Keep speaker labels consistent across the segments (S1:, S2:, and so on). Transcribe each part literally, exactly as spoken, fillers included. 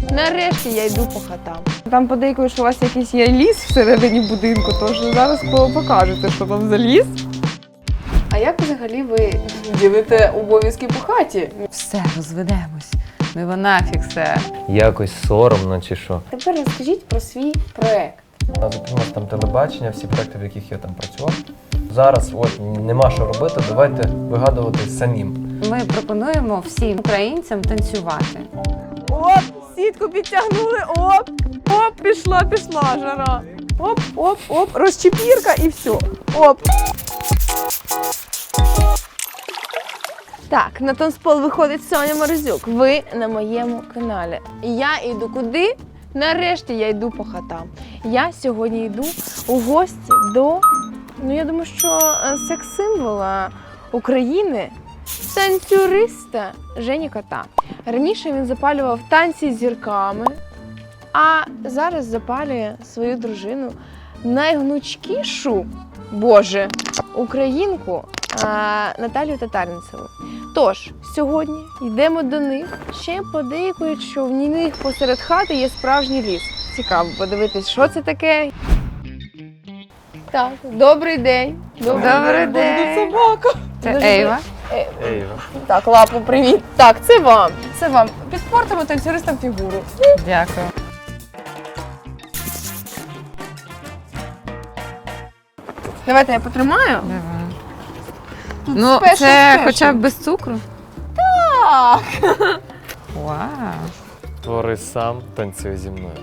S1: Нарешті я йду по хатам. Там подейкують, що у вас якийсь є ліс всередині будинку, тож зараз покажете, що там за ліс. А як взагалі ви ділите обов'язки по хаті?
S2: Все, розведемось. Ну його нафіг все.
S3: Якось соромно чи що.
S1: Тепер розкажіть про свій проект.
S3: У нас зупинилось там телебачення, всі проекти, в яких я там працював. Зараз от нема що робити, давайте вигадувати самим.
S2: Ми пропонуємо всім українцям танцювати.
S1: Оп, сітку підтягнули, оп, оп, пішла, пішла жара. Оп, оп, оп, розчепірка і все. Оп. Так, на танцпол виходить Соня Морозюк. Ви на моєму каналі. Я йду куди? Нарешті я йду по хатам. Я сьогодні йду у гості до, ну я думаю, що секс-символа України, танцюриста Жені Кота. Раніше він запалював танці з зірками, а зараз запалює свою дружину, найгнучкішу, боже, українку а, Наталію Татаринцеву. Тож, сьогодні йдемо до них. Ще подейкують, що в них посеред хати є справжній ліс. Цікаво подивитись, що це таке. Так, добрий день.
S2: Добрий день.
S1: Собака.
S2: Це
S1: Дуже
S2: Ейва.
S3: Ейва.
S1: Так, лапу, привіт. Так, це вам. Це вам. Підпортимо танцюристам фігуру.
S2: Дякую.
S1: Давайте я потримаю.
S2: Давай.
S1: Тут
S2: Ну,
S1: спешл,
S2: це
S1: спешл.
S2: хоча б без цукру.
S1: Так.
S2: Вау.
S3: Твори сам, танцюй зі мною.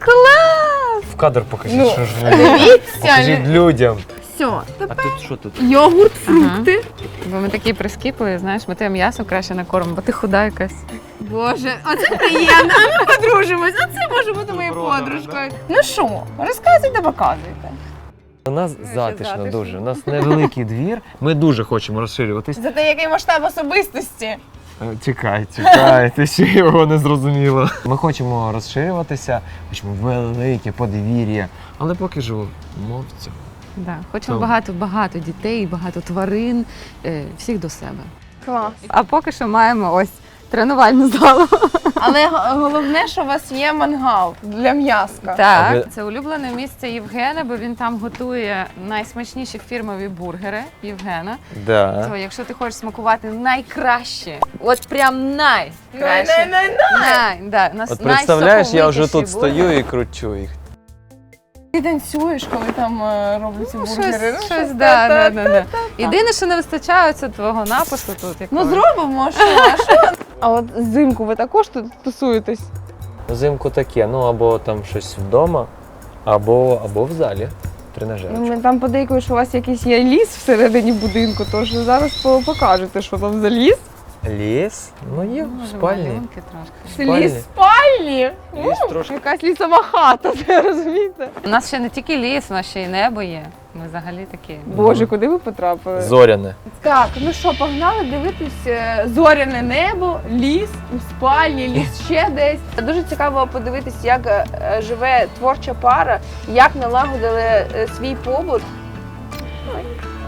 S1: Клас!
S3: В кадр покажіть,
S1: Ну,
S3: що ж ви.
S1: Дивіться.
S3: Покажіть людям.
S1: Все.
S3: А тут що тут?
S1: Йогурт, фрукти.
S2: Бо ми такі прискіпливі, знаєш, ми тебе м'ясо краще накормимо, бо ти худа якась.
S1: Боже, оце приємно. А ми подружимось. Оце може бути моєю
S3: Добро,
S1: подружкою. Ну що, розказуйте, показуйте.
S3: У нас затишно
S1: затишно.
S3: дуже. У нас невеликий двір. Ми дуже хочемо розширюватись.
S1: Зате який масштаб особистості.
S3: Е, Чекай, чекай, ти ще його не зрозуміла. Ми хочемо розширюватися, хочемо велике подвір'я, але поки що мовцю.
S2: Да. Хочемо
S3: То-
S2: багато-багато дітей, багато тварин, е, всіх до себе.
S1: Клас.
S2: А поки що маємо ось тренувальну залу.
S1: Але головне, що у вас є мангал для м'яска.
S3: А
S2: Так,
S3: ви-
S2: це улюблене місце Євгена, бо він там готує найсмачніші фірмові бургери Євгена.
S3: Да.
S2: То якщо ти хочеш смакувати найкраще, от прям найкраще.
S1: Най-най-най-най.
S2: Най, да, нас-
S3: От представляєш, я вже тут
S2: найсоковитіші бургери.
S3: стою і кручу їх.
S1: Ти танцюєш, коли там е, роблять ці
S2: Ну,
S1: бургери.
S2: щось, щось, да, да, да, да. Єдине, що не вистачає, це твого напису тут.
S1: Ну
S2: якогось.
S1: зробимо, що? А що? А от взимку ви також тут тусуєтесь?
S3: Взимку таке, ну або там щось вдома, або, або в залі. Тренажерочку.
S1: Ну, ми там подейкують, що у вас якийсь є ліс всередині будинку, тож зараз по- покажете, що там за ліс.
S3: Ліс? Ну є в
S2: Може,
S3: спальні.
S2: малюнки трошки.
S1: Це
S3: Спальні.
S1: ліс спальні?
S3: Ліс
S1: Ну,
S3: трошки.
S1: якась лісова хата, ви розумієте?
S2: У нас ще не тільки ліс, у нас ще й небо є. Ми взагалі такі.
S1: Боже, куди ви потрапили?
S3: Зоряне.
S1: Так, ну що, погнали дивитись е, зоряне небо, ліс, у спальні, ліс ще десь. Дуже цікаво подивитись, як е, живе творча пара, як налагодили е, свій побут. Ой,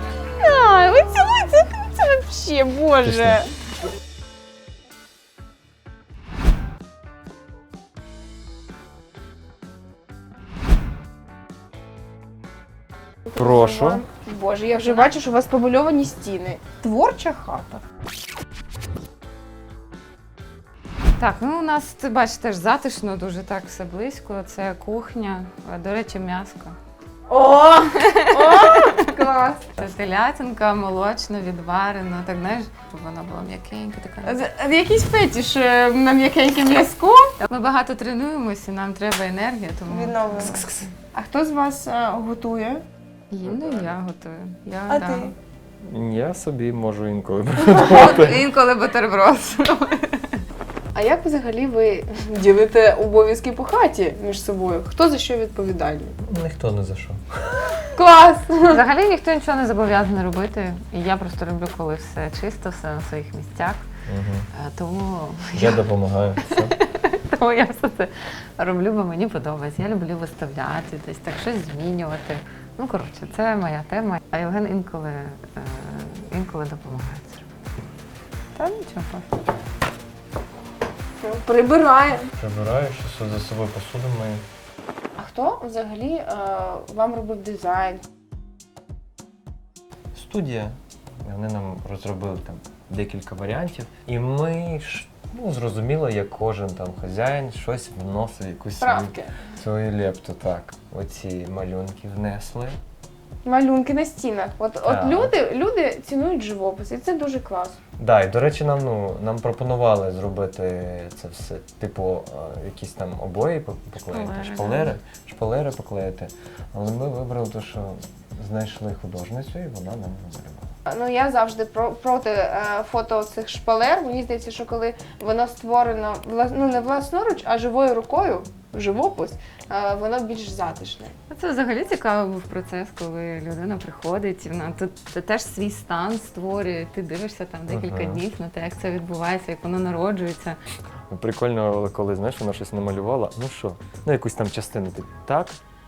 S1: Ай, ви цілуєте, це взагалі, боже.
S3: Прошу.
S1: Боже, я вже бачу, що у вас помальовані стіни. Творча хата.
S2: Так, ну у нас, ти бачиш, теж затишно, дуже так все близько. Це кухня, а, до речі, м'яско.
S1: О! О! Клас!
S2: Це телятинка, молочно, відварена, так знаєш, щоб вона була м'якенька, така.
S1: З- Якийсь фетиш е, на м'якеньке м'язко.
S2: Ми багато тренуємося, нам треба енергія, тому
S1: Відновлено. А хто з вас е, готує?
S2: їм я готую. Я,
S1: А
S2: да.
S1: ти?
S3: Я собі можу інколи.
S2: От, інколи бутерброд.
S1: А як взагалі ви ділите обов'язки по хаті між собою? Хто за що відповідальний?
S3: Ніхто не за що.
S1: Клас!
S2: Взагалі ніхто нічого не зобов'язаний робити. І я просто люблю, коли все чисто, все на своїх місцях.
S3: Угу.
S2: Е, Тому
S3: Я допомагаю. Все.
S2: Тому я все це роблю, бо мені подобається. Я люблю виставляти, десь так щось змінювати. Ну, коротше, це моя тема. А Євген інколи, е, інколи допомагає це робити. Та нічого.
S1: Прибираємо.
S3: Прибираю, що за собою посуду мою.
S1: А хто взагалі е, вам робив дизайн?
S3: Студія. Вони нам розробили там декілька варіантів. І ми ж, ну, зрозуміло, як кожен там хазяїн щось вносив, якусь свою,
S1: Правки.
S3: свою лепту. Так. Оці малюнки внесли.
S1: Малюнки на стінах. От, от
S3: Так.
S1: люди, люди цінують живопис, і це дуже класно.
S3: Да, і до речі, нам ну нам пропонували зробити це все, типу, е, якісь там обої пок- поклеїти,
S2: Шпалери,
S3: шпалери, шпалери поклеїти. Але ми вибрали те, що знайшли художницю, і вона нам намалювала.
S1: Ну я завжди про, проти е, фото цих шпалер. Мені здається, що коли воно створено вла- ну, не власноруч, а живою рукою, живопис, е, воно більш затишне.
S2: Це взагалі цікавий був процес, коли людина приходить, і вона тут це теж свій стан створює. Ти дивишся там декілька
S3: Ага.
S2: днів на те, як це відбувається, як воно народжується.
S3: Прикольно, коли знаєш, вона щось намалювала. Ну що, ну якусь там частину ти так.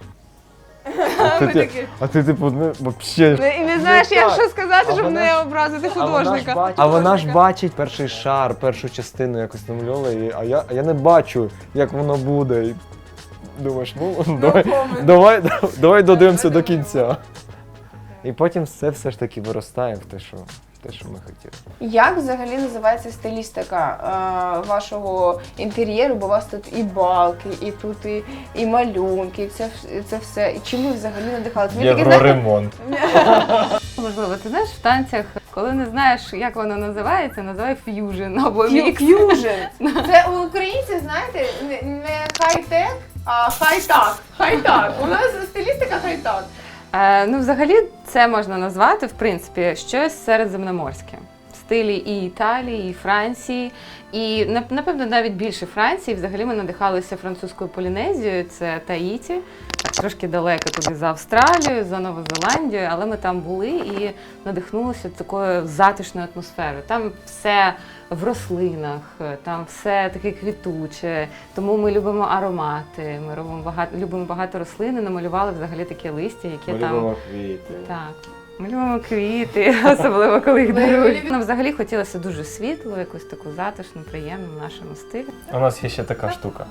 S3: А ти,
S1: Ми
S3: ти,
S1: такі.
S3: а ти типу, ну, взагалі.
S1: І не знаєш, як
S3: так.
S1: що сказати,
S3: А
S1: щоб
S3: вона
S1: не
S3: ж-
S1: образити
S3: А вона, ж
S1: художника.
S3: бачить, а вона ж бачить перший шар, першу частину якось намальовувала, і- а я, а я не бачу, як воно буде. І думаєш, ну давай, давай, давай додивимося до кінця. І потім це все ж таки виростає в те, що, те, що ми хотіли.
S1: Як взагалі називається стилістика е, вашого інтер'єру? Бо у вас тут і балки, і тут і, і малюнки, і це, вс- і це все. І чим ви взагалі надихалися? Ви такі, знаєте,
S3: Євроремонт.
S2: Можливо, ти знаєш, в танцях, коли не знаєш, як воно називається, називай ф'южн або
S1: Ф'ю-
S2: мікс.
S1: ф'южн. Це у українців, знаєте, не, не хай-тек, а хай-так. Хай-так. У нас стилістика хай-так.
S2: Е, ну, взагалі, це можна назвати, в принципі, щось середземноморське. В стилі і Італії, і Франції, і, нап- напевно, навіть більше Франції. Взагалі ми надихалися французькою Полінезією, це Таїті, так, трошки далеко туди за Австралію, за Нову Зеландію, але ми там були і надихнулися такою затишною атмосферою. Там все в рослинах, там все таке квітуче, тому ми любимо аромати, ми робимо багато, любимо багато рослин і намалювали взагалі таке листя, яке там...
S3: квіти.
S2: Так. Ми любимо квіти, особливо коли їх дарують. Нам взагалі хотілося дуже світло, якусь таку затишну, приємну в нашому стилі.
S3: У нас є ще така штука.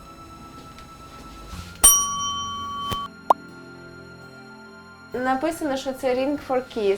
S1: Написано, що це ring for kiss.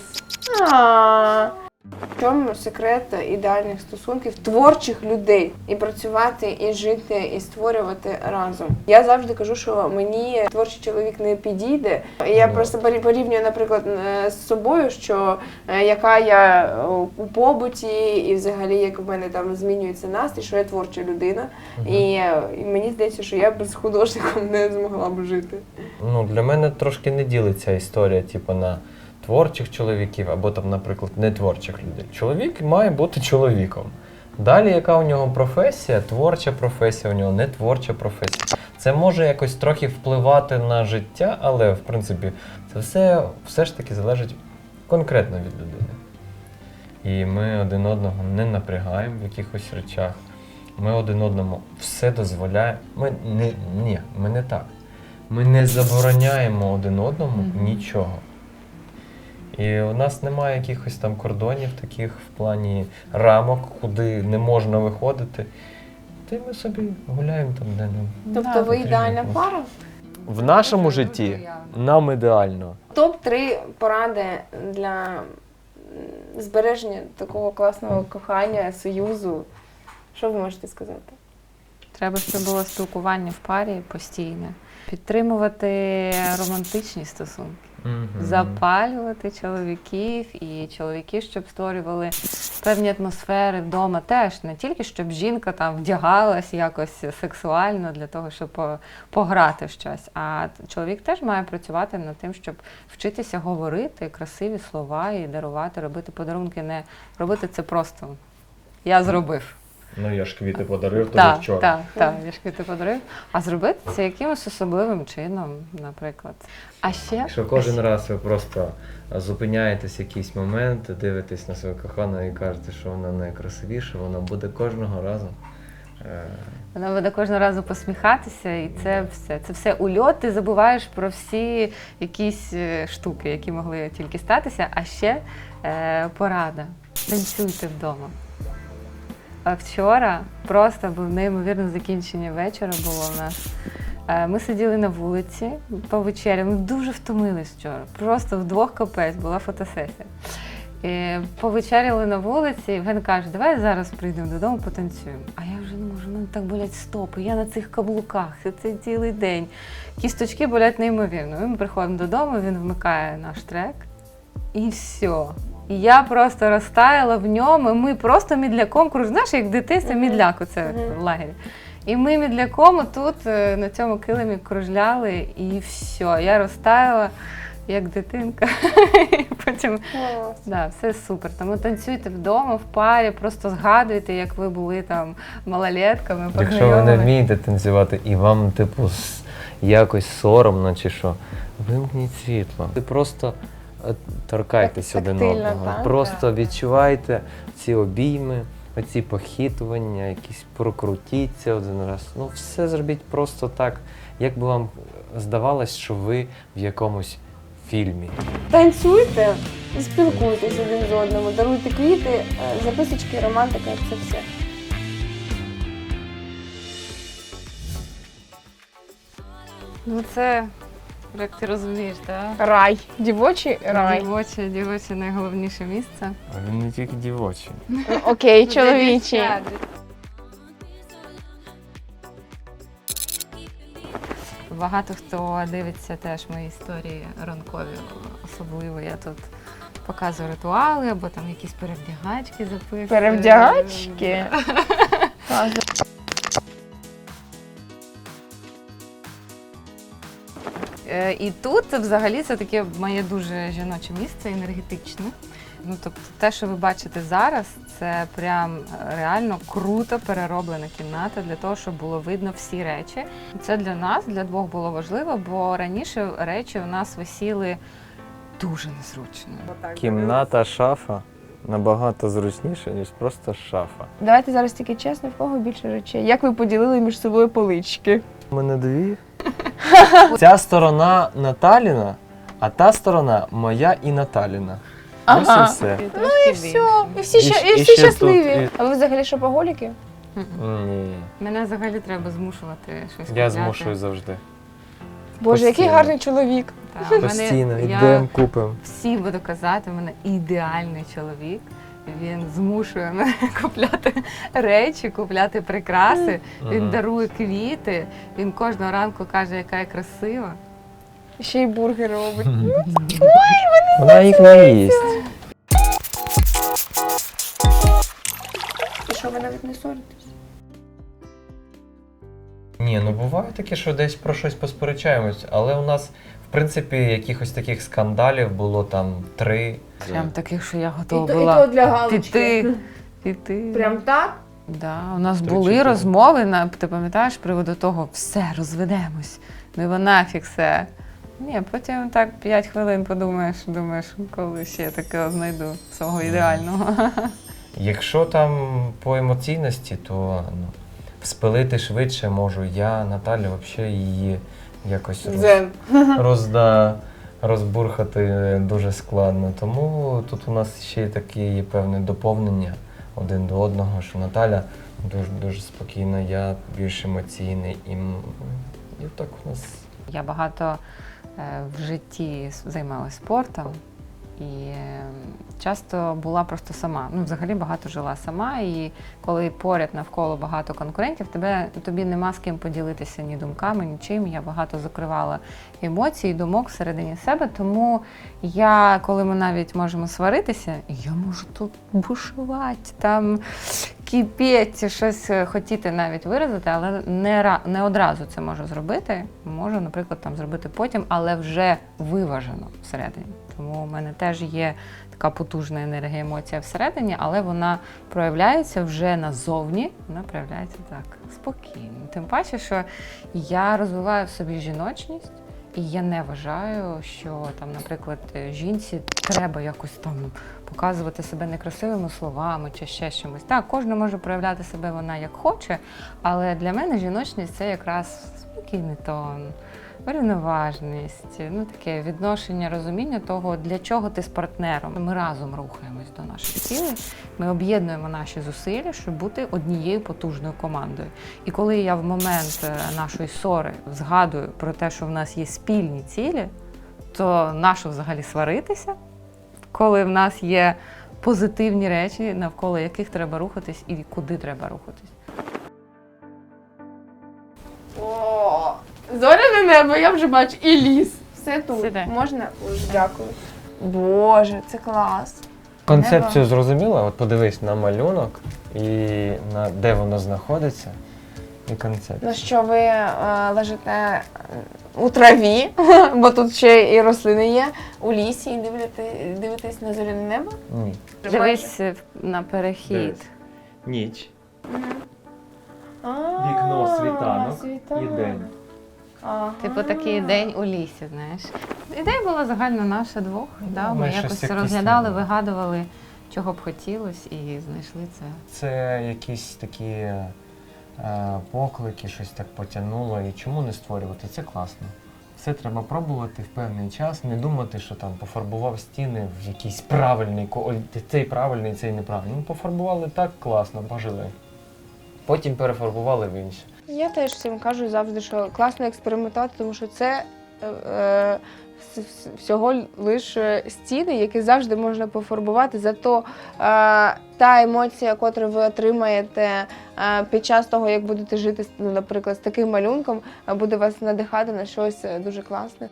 S1: А. В чому секрет ідеальних стосунків творчих людей і працювати, і жити, і створювати разом. Я завжди кажу, що мені творчий чоловік не підійде. Я
S3: Ну.
S1: просто порі- порівнюю, наприклад, е, з собою, що е, яка я е, у побуті, і взагалі як в мене там змінюється настрій, що я творча людина. І, е, і мені здається, що я без художником не змогла б жити.
S3: Ну, для мене трошки не ділиться історія, типу, на творчих чоловіків або там, наприклад, нетворчих людей. Чоловік має бути чоловіком. Далі, яка у нього професія, творча професія, у нього не творча професія. Це може якось трохи впливати на життя, але, в принципі, це все, все ж таки залежить конкретно від людини. І ми один одного не напрягаємо в якихось речах. Ми один одному все дозволяємо. Ми не, ні, ми не так. Ми не забороняємо один одному
S2: Мгм.
S3: нічого. І у нас немає якихось там кордонів таких в плані рамок, куди не можна виходити. Та й ми собі гуляємо там, де нам.
S1: Тобто
S2: Да,
S1: ви
S3: потрібно
S1: ідеальна
S3: просто.
S1: пара?
S3: В нашому
S2: Дуже
S3: житті
S2: явно.
S3: нам ідеально.
S1: Топ три поради для м, збереження такого класного кохання, союзу. Що ви можете сказати?
S2: Треба, щоб було спілкування в парі постійне. Підтримувати романтичні стосунки.
S3: Мгм.
S2: Запалювати чоловіків і чоловіки, щоб створювали певні атмосфери вдома теж. Не тільки щоб жінка там вдягалась якось сексуально для того, щоб по- пограти в щось. А чоловік теж має працювати над тим, щоб вчитися говорити красиві слова і дарувати, робити подарунки. Не робити це просто я зробив.
S3: Ну я ж квіти подарив тобі
S2: Так,
S3: вчора.
S2: так, так, я ж квіти подарив. А зробити це якимось особливим чином, наприклад. А ще
S3: Якщо кожен раз ви просто зупиняєтесь в якийсь момент, дивитесь на свою кохану і кажете, що вона найкрасивіша, вона буде кожного разу. е,
S2: вона буде кожного разу посміхатися, і це все. Це все ульот, ти забуваєш про всі якісь е, штуки, які могли тільки статися. А ще е, порада. Танцюйте вдома. А вчора просто був неймовірне закінчення вечора було в нас. Е, Ми сиділи на вулиці, повечеряли, ми дуже втомились вчора. Просто вдвох капець, була фотосесія. І повечеряли на вулиці, і Євген каже, давай зараз прийдемо додому, потанцюємо. А я вже не можу, мене так болять стопи, я на цих каблуках, це цілий день. Кісточки болять неймовірно. Ми приходимо додому, він вмикає наш трек, і все. І я просто розтаяла в ньому, і ми просто мідляком кружили. Знаєш, як в дитинстві мідляк оце в лагері. І ми мідляком тут е, на цьому килимі кружляли, і все. Я розтаяла, як дитинка. І потім, да, все супер. Тому танцюйте вдома, в парі, просто згадуйте, як ви були там малолетками,
S3: Якщо ви не
S2: познайомились.
S3: вмієте танцювати і вам, типу, с- якось соромно чи що, вимкніть світло. Ви просто е, торкайтесь
S1: Так,
S3: один
S1: тактильно,
S3: одного.
S1: так?
S3: Просто відчувайте ці обійми, оці похитування, якісь прокрутіться один раз. Ну, все зробіть просто так, як би вам здавалось, що ви в якомусь фільмі.
S1: Танцюйте і спілкуйтесь один з одним, даруйте квіти, е, записочки, романтика, це все.
S2: Ну це, як ти розумієш, так?
S1: Рай. Дівочий рай.
S2: Дівоче, дівоче найголовніше місце.
S3: А він не тільки дівочий.
S1: Окей, чоловічий.
S2: Багато хто дивиться теж мої історії ранкові, особливо я тут показую ритуали, або там якісь перевдягачки записую.
S1: Перевдягачки? А,
S2: Е, І тут взагалі це таке моє дуже жіноче місце, енергетичне. Ну, тобто те, що ви бачите зараз, це прям реально круто перероблена кімната для того, щоб було видно всі речі. Це для нас, для двох було важливо, бо раніше речі у нас висіли дуже незручно.
S3: Кімната, шафа набагато зручніше, ніж просто шафа.
S1: Давайте зараз тільки чесно, в кого більше речей. Як ви поділили між собою полички?
S3: У мене дві. Ця сторона Наталіна, а та сторона моя і Наталіна. Ось і все.
S2: Ну
S1: І все, і всі,
S3: І
S1: ща-
S3: щ-
S1: і
S3: і
S1: всі
S3: ще
S1: щасливі.
S3: тут, і-
S1: А ви взагалі шопоголіки?
S3: Ні,
S2: Мене взагалі треба змушувати щось
S3: я
S2: купляти.
S3: змушую завжди.
S1: Боже, який
S3: Постійно.
S1: гарний чоловік.
S2: Та, в мене-
S3: Постійно,
S2: я
S3: йдемо, купимо.
S2: всім буду казати, в мене ідеальний чоловік. Він змушує мене купляти речі, купляти прикраси. Він
S3: Мгм.
S2: дарує квіти. Він кожного ранку каже, яка я красива.
S1: Ще й бургер робить.
S3: Вона їх не їсть.
S1: І що, ви навіть не ссоритесь?
S3: Ні, ну буває таке, що десь про щось посперечаємось, але у нас, в принципі, якихось таких скандалів було там три.
S2: Прям таких, що я
S1: І
S2: готова
S1: то, і
S2: була
S1: то для галочки.
S2: піти. Піти.
S1: Прям так?
S2: Да, у нас
S3: Три
S2: були
S3: чотири.
S2: розмови, на, ти пам'ятаєш, з приводу того, все, розведемось. Ну і нафіг все. Ні, потім так п'ять хвилин подумаєш, думаєш, коли ще таке знайду свого ідеального.
S3: Якщо там по емоційності, то ну, спилити швидше можу я, Наталя, взагалі її якось роз,
S1: Дзен.
S3: розда, розбурхати дуже складно. Тому тут у нас ще й таке є певне доповнення один до одного, що Наталя дуже, дуже спокійна, я більш емоційний. І, м, і так у нас.
S2: Я багато е, в житті с- займалася спортом і е, часто була просто сама. Ну, взагалі багато жила сама, і коли поряд навколо багато конкурентів, тебе, тобі нема з ким поділитися ні думками, нічим. Я багато закривала емоцій, думок всередині себе, тому я, коли ми навіть можемо сваритися, я можу тут бушувати, там кипіти, щось хотіти навіть виразити, але не, ра- не одразу це можу зробити. Можу, наприклад, там зробити потім, але вже виважено всередині. Тому у мене теж є така потужна енергія, емоція всередині, але вона проявляється вже назовні, вона проявляється так спокійно. Тим паче, що я розвиваю в собі жіночність, і я не вважаю, що там, наприклад, жінці треба якось там показувати себе некрасивими словами чи ще чимось. Так, кожна може проявляти себе вона як хоче, але для мене жіночність це якраз спокійний тон, Врівноваженість, ну таке відношення, розуміння того, для чого ти з партнером. Ми разом рухаємось до наших цілей, ми об'єднуємо наші зусилля, щоб бути однією потужною командою. І коли я в момент нашої ссори згадую про те, що в нас є спільні цілі, то нащо взагалі сваритися, коли в нас є позитивні речі, навколо яких треба рухатись і куди треба рухатись.
S1: О, зоряне небо, я вже бачу, і ліс. Все тут.
S2: Сідай.
S1: Можна? Ой, дякую. Боже, це клас.
S3: Концепцію зрозуміла? От подивись на малюнок і на де воно знаходиться, і концепцію.
S1: Ну що, ви е, лежите у траві, бо тут ще і рослини є, у лісі і дивитесь, дивитесь на зоряне небо?
S3: Ні.
S2: Дивись на перехід.
S3: Ніч.
S1: А,
S3: Вікно, світанок
S1: світанок.
S3: і день.
S1: Ага.
S2: Типу такий день у лісі, знаєш. Ідея була загальна наша двох. Да?
S3: Ми
S2: Ми
S3: щось
S2: якось
S3: якісь
S2: розглядали,
S3: там.
S2: вигадували, чого б хотілося, і знайшли це.
S3: Це якісь такі е, поклики, щось так потягнуло. І чому не створювати? Це класно. Все треба пробувати в певний час, не думати, що там пофарбував стіни в якийсь правильний, ко- цей правильний, цей неправильний. Ну, пофарбували так класно, пожили. Потім перефарбували в інше.
S1: Я теж всім кажу завжди, що класно експериментувати, тому що це е, е, вс- вс- всього лише стіни, які завжди можна пофарбувати. Зато е, та емоція, яку ви отримаєте е, під час того, як будете жити, ну, наприклад, з таким малюнком, е, буде вас надихати на щось е, дуже класне.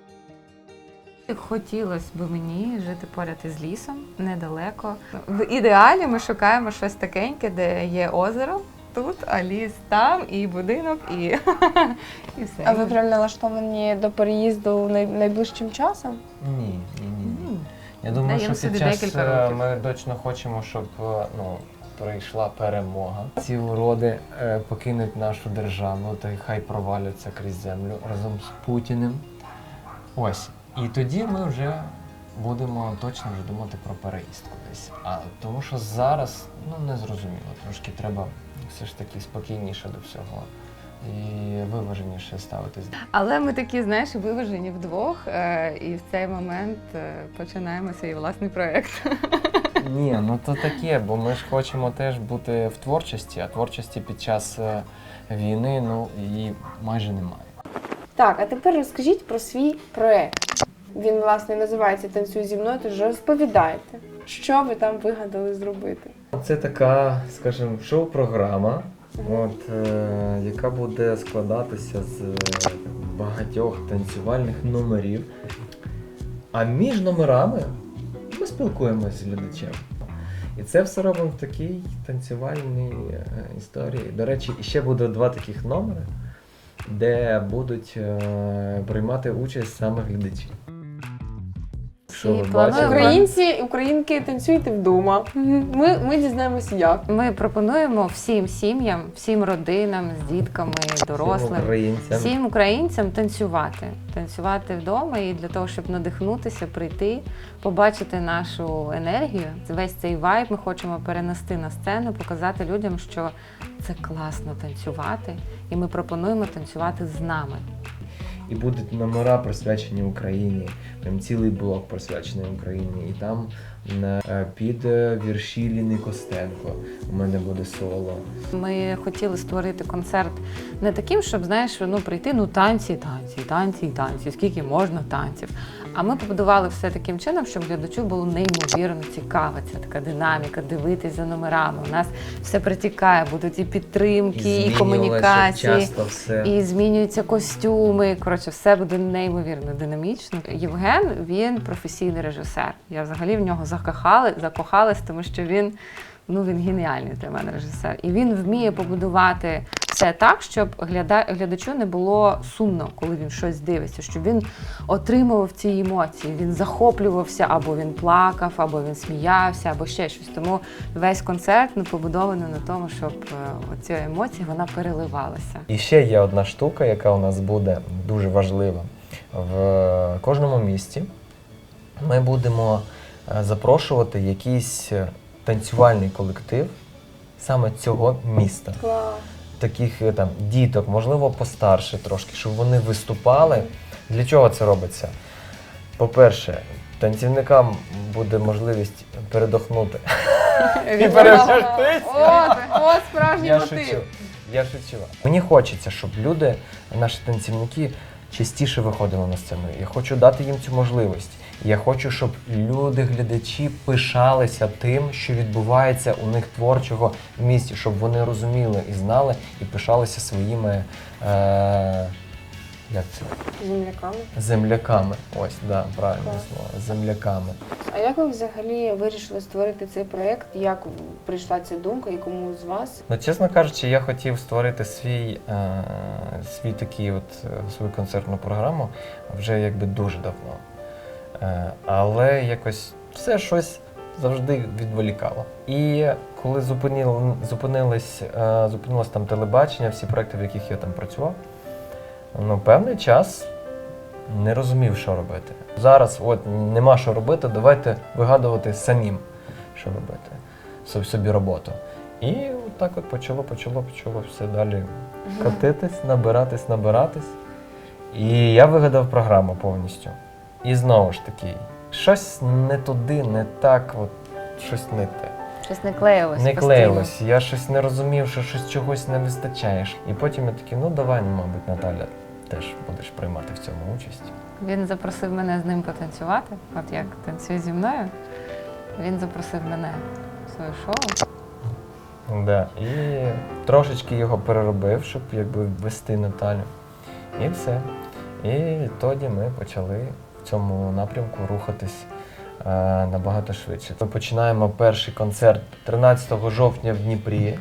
S2: Хотілося б мені жити поряд із лісом, недалеко. В ідеалі ми шукаємо щось такеньке, де є озеро тут, а ліс там, і будинок, і, і все.
S1: А ви прям налаштовані до переїзду най- найближчим часом?
S3: Ні, ні, ні. ні.
S2: М.
S3: Я думаю,
S2: Даємо
S3: що під
S2: собі
S3: час
S2: декілька
S3: е,
S2: років.
S3: ми точно хочемо, щоб е, ну, прийшла перемога. Ці уроди е, покинуть нашу державу та й хай проваляться крізь землю разом з Путіним. Ось. І тоді ми вже будемо точно вже думати про переїзд кудись. А тому що зараз ну не зрозуміло. Трошки треба все ж таки спокійніше до всього і виваженіше ставитись.
S2: Але ми такі, знаєш, виважені вдвох, е, і в цей момент е, починаємо свій власний проєкт.
S3: Ні, ну то таке, бо ми ж хочемо теж бути в творчості, а творчості під час е, війни ну її майже немає.
S1: Так, а тепер розкажіть про свій проект. Він, власне, називається «Танцюй зі мною», тож розповідайте, що ви там вигадали зробити.
S3: Це така, скажімо, шоу-програма, от, е, яка буде складатися з е, багатьох танцювальних номерів. А між номерами ми спілкуємося з глядачем. І це все робимо в такій танцювальній е, історії. До речі, ще буде два таких номери, де будуть е, приймати участь саме глядачі. Що ви
S2: плануємо-
S3: бачили?
S1: Українці, українки, танцюйте вдома. Ми, ми дізнаємося як.
S2: Ми пропонуємо всім сім'ям, всім родинам з дітками,
S3: Всім
S2: дорослим,
S3: українцям.
S2: всім українцям танцювати. Танцювати вдома і для того, щоб надихнутися, прийти, побачити нашу енергію, весь цей вайб ми хочемо перенести на сцену, показати людям, що це класно танцювати, і ми пропонуємо танцювати з нами.
S3: І будуть номера присвячені Україні, прям цілий блок присвячений Україні. І там е, під е, вірші Ліни Костенко у мене буде соло.
S2: Ми хотіли створити концерт не таким, щоб, знаєш, ну прийти, ну танці, танці, танці, танці, скільки можна танців. А ми побудували все таким чином, щоб глядачу було неймовірно цікаво. Ця така динаміка, дивитись за номерами. У нас все притікає, будуть і підтримки, і,
S3: змінювалося
S2: комунікації.
S3: часто все.
S2: І змінюються костюми. Коротше, все буде неймовірно динамічно. Євген, він професійний режисер. Я взагалі в нього закохали, закохалась, тому що він, ну, він геніальний для мене режисер. І він вміє побудувати все так, щоб гляда, глядачу не було сумно, коли він щось дивиться, щоб він отримував ці емоції, він захоплювався, або він плакав, або він сміявся, або ще щось. Тому весь концерт ну, побудований на тому, щоб оця емоція, вона переливалася.
S3: І ще є одна штука, яка у нас буде дуже важлива. В кожному місті ми будемо е, запрошувати якийсь танцювальний колектив саме цього міста.
S1: Клас.
S3: таких е, там діток, можливо, постарше трошки, щоб вони виступали. Для чого це робиться? По-перше, танцівникам буде можливість передохнути і перевчатися.
S1: От, от справжній
S3: Я
S1: мотив.
S3: шучу. Я шучу. Мені хочеться, щоб люди, наші танцівники, частіше виходили на сцену. Я хочу дати їм цю можливість. Я хочу, щоб люди, глядачі пишалися тим, що відбувається у них творчого в місті, щоб вони розуміли і знали, і пишалися своїми е- як це?
S4: Земляками.
S3: земляками. Ось, да, правильне
S4: Клас.
S3: слово. Земляками.
S4: А як ви взагалі вирішили створити цей проєкт? Як прийшла ця думка і кому з вас?
S3: Ну, чесно кажучи, я хотів створити свій, е, свій такий от, е, свою концертну програму вже якби дуже давно. Е, але якось все щось завжди відволікало. І коли зупинil, зупинилось, е, зупинилось там телебачення, всі проекти, в яких я там працював, ну, певний час не розумів, що робити. Зараз от нема що робити, давайте вигадувати самим, що робити, собі, собі роботу. І от так от почало, почало, почало все далі катитись, набиратись, набиратись. І я вигадав програму повністю. І знову ж таки, щось не туди, не так, от щось не те.
S2: Щось не клеїлось.
S3: Не
S2: постійно.
S3: клеїлось, я щось не розумів, що щось чогось не вистачає. І потім я такий, ну давай, ну, мабуть, Наталя, теж будеш приймати в цьому участь.
S2: Він запросив мене з ним потанцювати, от як танцює зі мною. Він запросив мене в своє шоу.
S3: Да. І трошечки його переробив, щоб якби ввести Наталю. І все. І тоді ми почали в цьому напрямку рухатись е, набагато швидше. Ми починаємо перший концерт тринадцятого жовтня в Дніпрі.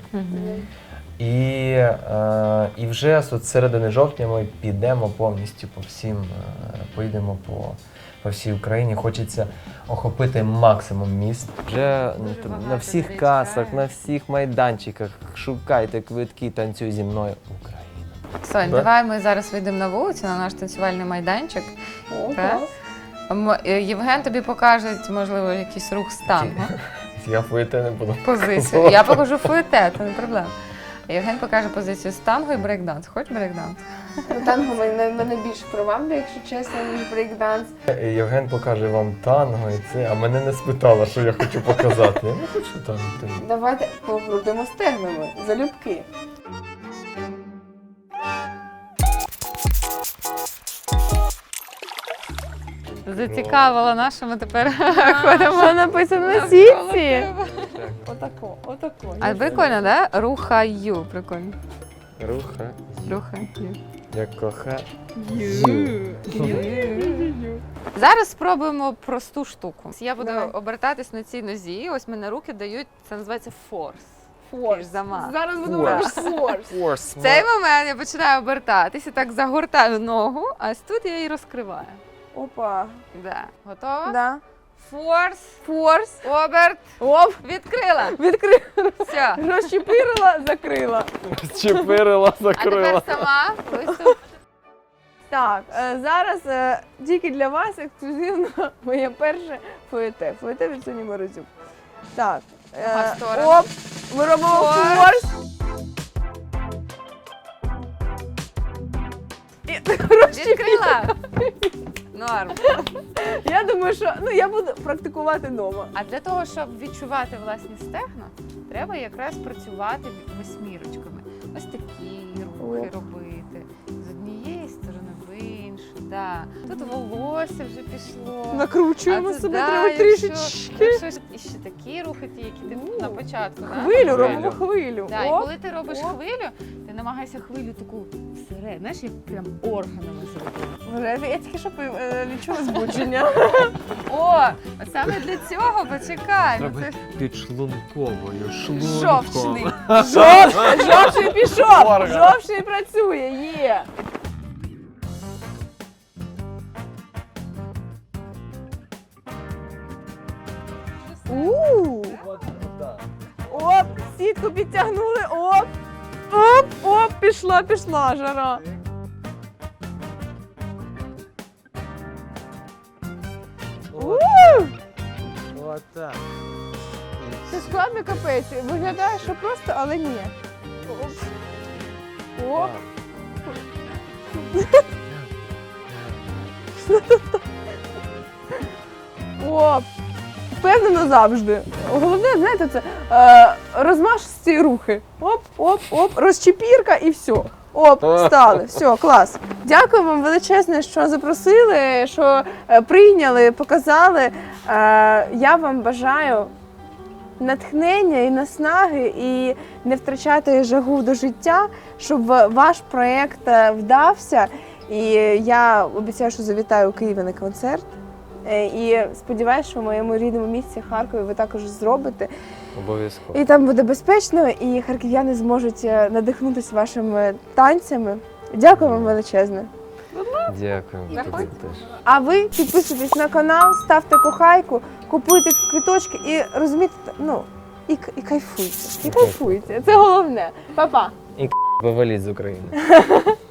S3: І, е, і вже з середини жовтня ми підемо повністю по всім, е, поїдемо по, по всій Україні. Хочеться охопити максимум міст. Вже
S2: Дуже
S3: на,
S2: багато
S3: всіх
S2: людей
S3: касах,
S2: чекає.
S3: на всіх майданчиках шукайте квитки, танцюй зі мною Україна.
S2: Сонь,
S3: Да?
S2: давай ми зараз вийдемо на вулицю, на наш танцювальний майданчик.
S4: О,
S2: Так. М- е, Євген тобі покаже, можливо, якийсь рух з танго,
S3: Я фуєте не буду.
S2: позицію. Я покажу фуєте, це не проблема. Євген покаже позицію з танго і брейкданс. Хочеш брейкданс?
S4: Ну, танго мене, мене більше приваблює, якщо чесно, ніж брейкданс.
S3: Євген покаже вам танго і це, а мене не спитала, що я хочу показати. Я не хочу танго.
S4: Давайте покрутимо стегнами, залюбки.
S2: Зацікавила нас, що ми тепер ходимо.
S1: Що написано на
S2: навколо
S1: сітці?
S2: тебе.
S1: Отако, отако.
S2: А прикольно, да? Рухаю. Прикольно.
S3: Руха,
S2: Рухаю.
S3: я коха.
S2: Зараз спробуємо просту штуку. Я буду
S4: Давай.
S2: обертатись на цій нозі. Ось мене руки дають, це називається форс.
S1: Форс.
S2: замах.
S1: Зараз будемо
S3: Форс.
S1: робити форс.
S3: Форс.
S2: В цей момент я починаю обертатися, так загортаю ногу, а ось тут я її розкриваю.
S1: Опа.
S2: Да. Готова?
S1: Да.
S2: Форс,
S1: Форс.
S2: оберт,
S1: Оп.
S2: відкрила.
S1: Відкрила.
S2: Все.
S1: Розчепирила, закрила.
S3: Чепирила,
S2: А тепер сама. Ось тут.
S1: Так, е, зараз е, тільки для вас ексклюзивно моє перше фуєте. Фуєте від Соні Морозюк. Так. е,
S2: Ага, в сторону.
S1: Оп. Ми робимо
S2: Форс.
S1: форс. І
S2: Відкрила. Норм.
S1: Я думаю, що ну я буду практикувати вдома.
S2: А для того, щоб відчувати власні стегна, треба якраз працювати восьмірочками. Ось такі рухи
S1: Оп.
S2: робити. З однієї сторони в іншу. Да. Тут волосся вже пішло.
S1: Накручуємо
S2: А тут,
S1: себе
S2: да,
S1: треба
S2: якщо-
S1: трішечки.
S2: Якщо і ще такі рухи, ті, які ти
S1: У,
S2: на початку. Да?
S1: Хвилю робимо хвилю.
S2: Да, і
S1: Оп.
S2: коли ти робиш
S1: Оп.
S2: хвилю, ти намагайся хвилю таку всередину, знаєш, як прям органами зробити.
S1: Вже Я тільки що е, відчула збудження.
S2: О, саме для цього почекай. ну це-
S3: підшлунковою,
S1: Жовчний. Жов- Жовчний пішов.
S3: Орган.
S1: Жовчний працює. Є. У. Оп, сітку підтягнули. Оп. Оп, оп, пішла, пішла жара. У.
S3: Отак.
S1: Це складно капець. Виглядає, що просто, але ні. Оп. О. О, впевнено завжди. Головне, знаєте, це е, розмашисті рухи. Оп, оп, оп, розчепірка і все. Оп, встали. Все, клас. Дякую вам величезне, що запросили, що е, прийняли, показали. Е, я вам бажаю натхнення і наснаги, і не втрачати жагу до життя, щоб ваш проєкт е, вдався. І я обіцяю, що завітаю у Києві на концерт. Е, І сподіваюся, що в моєму рідному місті Харкові ви також зробите.
S3: Обов'язково.
S1: І там буде безпечно, і харків'яни зможуть е, надихнутися вашими танцями. Дякую вам величезне.
S3: Дякую.
S2: Заходь.
S3: Тобі теж.
S1: А ви підписуйтесь на канал, ставте кохайку, купуйте квиточки і розумієте, ну, і, к- і кайфуйте. І кайфуйте. Це головне. Па-па.
S3: Виваліть з України.